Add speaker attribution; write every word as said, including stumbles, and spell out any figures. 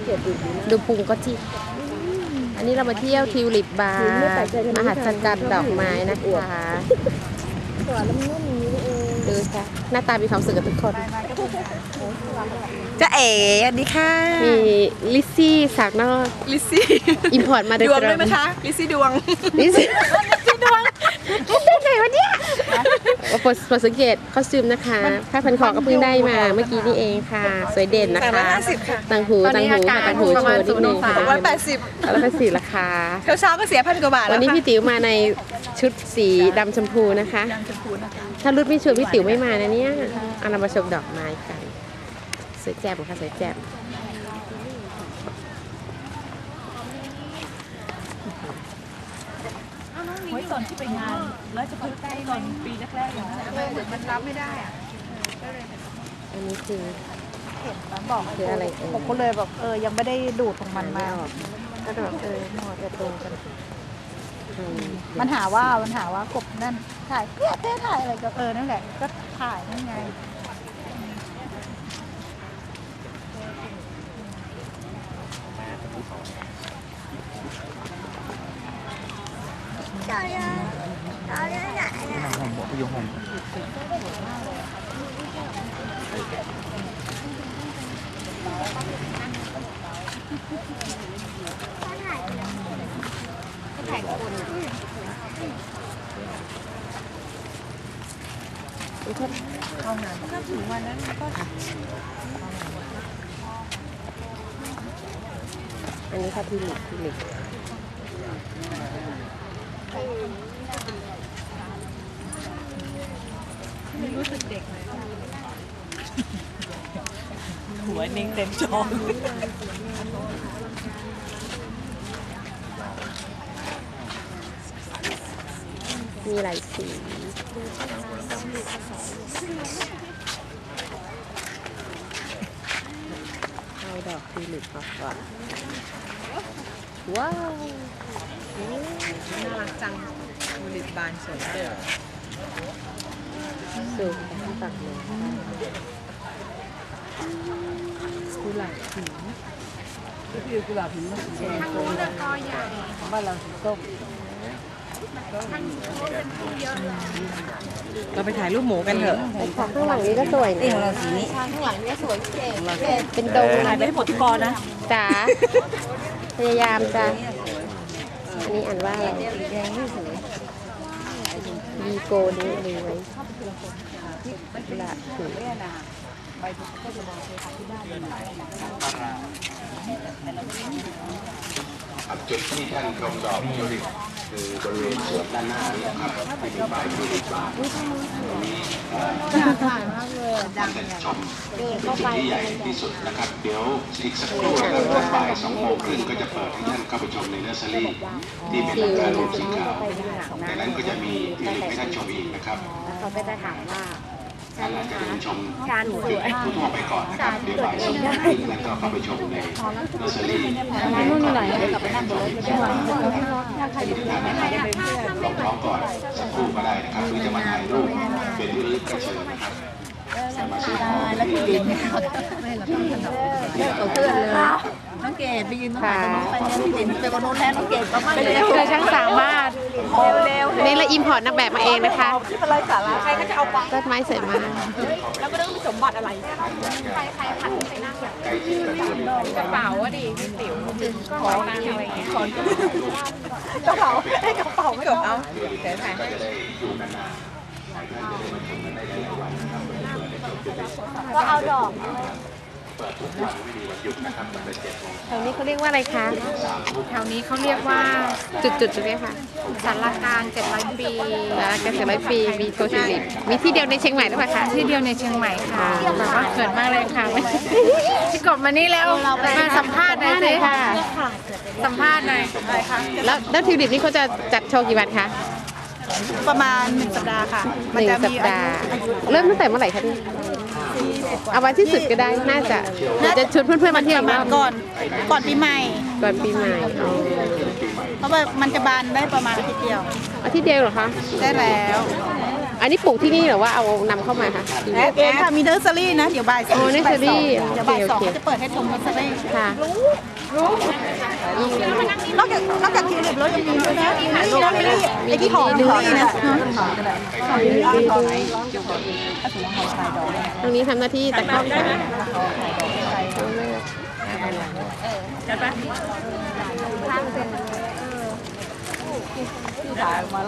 Speaker 1: ดูพุงก็จิกอันนี้เรามาเที่ยวทิวลิปบาร์มหัศจรรย์ดอกไม้นะคะดูค่ะหน้าตามีความสุขกับทุกคน
Speaker 2: จะเอ๋สวัสดีค่ะ
Speaker 1: มีลิซซี่สากนอก
Speaker 2: ลิซซี่
Speaker 1: อิมพอร์ตมาโดย
Speaker 2: ตรงดวงด้วยไหมคะลิซซี่ดวง
Speaker 1: ลิซซี่ดวงเป็นไงวะเนี่ยโปรดสังเกตคอสตูมนะคะผ้าพันคอก็เพิ่งได้มาเมื่อกี้นี่เองค่ะสวยเด่นนะคะต่างหูต่างหูต่างหูโชว์นิดนึงค่ะ
Speaker 2: ร้อยแปดสิบ
Speaker 1: แล้วก็สีราคา
Speaker 2: เช้าเช้าก็เสียพันกว่าบาทแล้ว
Speaker 1: วันนี้พี่ติ๋วมาในชุดสีดำชมพูนะคะถ้ารุ่นไม่ชวนพี่ติ๋วไม่มานะเนี่ยเอาเรามาชมดอกไม้กันสวยแจ่มค่ะสวยแจ่ม
Speaker 2: ไว้ตอนที่ไปงานแล้วจะพึ่งได้ตอนปีแรกๆอย่างนั้นเหมือนมันรับไม่ได้อะ
Speaker 1: อันนี้คือ
Speaker 2: เห็นมันบอก
Speaker 1: คืออะไรเออ
Speaker 2: ผมก็เลยแบบเออยังไม่ได้ดูดของมันมาก็แบบเออหมดจะโตกันมันหาว่ามันหาว่ากบนั่นถ่ายเนี่ยเต้ถ่ายอะไรก็เออนั่นแหละก็ถ่ายนั่นไง
Speaker 3: Trời ơi, trời ơi lại nè.
Speaker 4: Hồng bỏ vô hồng.
Speaker 1: Cái thành quần.
Speaker 2: Không nào, nó thử ngoài đó nó có.
Speaker 1: อันนี้ค่ะทิวลิปทิวลิป
Speaker 2: รู้สึกเด็กเลยหัวนิ่งเต็มจอ
Speaker 1: มีหลายสีเอาดอกทิวลิปมาก่อนว้าว
Speaker 2: น่ารักจังทิวลิปบานสวยเด้อ
Speaker 1: สูงที่ตักเลย
Speaker 2: กุหลาบสีก็คือกุหลาบสีมันสีแดงโตบ้านเราสีส้มเราไปถ่ายรูปหมูกันเถอะ
Speaker 1: ของข้างหลังนี้ก็สวยนะ
Speaker 2: ของเราสีนี้
Speaker 3: ข้างหลังนี่สวยเก๋
Speaker 1: เป็นโดม
Speaker 2: ถ่ายไปให้หมดทุกกอนะ
Speaker 1: จ๋าพยายามจ้ะอันนี้อ่านว่าอะไรวีโกนี้เลยไว้ละถูก
Speaker 5: จุดที่ท่านชมดอกทิวลิปคือบริเวณสวนด้านหน้านี้ครับที่มีป้ายทิวลิปบาร์ตรงนี้
Speaker 2: ถ่ายมากเลย
Speaker 5: ท่านจะชมจุดที่ใหญ่ที่สุดนะครับเดี๋ยวอีกสักครู่นะครับตอนบ่ายสองโมงครึ่งก็จะเปิดให้ท่านเข้าไปชมในเนอร์เซอรี่ที่เป็นหลังคาโลงสีขาวในนั้นก็จะมีทิวลิปให้ท่านชมอีกนะครับ
Speaker 3: เขาก็จะถามว่า
Speaker 5: ท่านอาจจะเดินชมจุดทั่วไปก่อนนะครับเดี๋ยวบ่ายสองโมงครึ่งแล้วก็เข้าไปชมในเนอร์เซอรี่
Speaker 2: นู่นไหนกลับไปนั่งบนรถก็ได้
Speaker 5: ลองท้องก่อนสักครู่ก็ได้นะครับหรือจะมาถ่ายรูปเป็นที่ระลึกก็เชิญนะครับจะมาซื้อของ
Speaker 2: แล้วพี่ดินไม่เราต้องถนอมเลิกกับเพื่อนเลยน้องเกดไปยืนถ่ายกับน้องไปเนี่ยพี่ดินไปวันนู้นแล้วน้องเกดก็ไม่เลย
Speaker 1: คือช่างสามารถ
Speaker 2: เร็ว
Speaker 1: นี่เราอิมพอร์ตนักแบบมาเองนะคะ
Speaker 2: อะไรสาระใครก็จะเอาปัง
Speaker 1: ต้นไม้สวยมาก
Speaker 2: แล้วก็ต้องมีสมบัติอะไรใครใครผัดไปนั่งกระเป๋าอะดิพี่ติ๋วขอตังอะไรเงี้ยกระเป๋าให้กระเป๋าไม่เอาเดี๋ยวถ่ายให้
Speaker 3: ก็เอาดอก
Speaker 1: แถวนี้เขาเรียกว่าอะไรคะ
Speaker 2: แถวนี้เขาเรียกว่า
Speaker 1: จุดๆตรงนี้ค่ะ
Speaker 2: ศาลากลางเจ็ดร้อยปี
Speaker 1: ศาลากลางเจ็ดร้อยปีมีโททิวลิปมีที่เดียวในเชียงใหม่หรือเปล่าคะ
Speaker 2: ที่เดียวในเชียงใหม่ค่ะแบบว่าเกิดมากเลยค่ะพี่กบมานี่แล้วมาสัมภาษณ์หน่อยสิค่ะสัมภาษณ์หน่อยอะไรคะ
Speaker 1: แล้วแล้วทิวลิปนี่เขาจะจัดโชว์กี่วันคะ
Speaker 2: ประมาณหนึ่งสัปดาห์ค่ะ
Speaker 1: หนึ่งสัปดาห์เริ่มตั้งแต่เมื่อไหร่คะพี่เอาวันที่สุดก็ได้น่าจะเราจะชวนเพื่อนๆมาเที่ยวมา
Speaker 2: ก่อนก่อนปีใหม่
Speaker 1: ก่อนปีใหม่
Speaker 2: เพราะว่ามันจะบานได้ประมาณอาทิตย์เดียว
Speaker 1: อาทิตย์เดียวเหรอคะ
Speaker 2: ได้แล้ว
Speaker 1: อันนี้ปลูกที่นี่หรือว่าเอานำเข้ามาคะ
Speaker 2: แอปเองค่ะมีเนอร์เซอรี่นะเดี๋ยวบ่ายสอง
Speaker 1: โอ้ nursery
Speaker 2: เดี๋ยวบ่ายสอง
Speaker 1: โอเค
Speaker 2: เขาจะเปิดให้ชมเนอร์เซอรี่
Speaker 1: ค่ะ
Speaker 2: นอกจากนอกจากทิวลิปแล้วยังมีด้วยนะลิลลี่นะลิลลี่ไอที่หอมลิลลี่นะ
Speaker 1: ตรงนี้ทำหน้าที่ตะกร้องค่ะ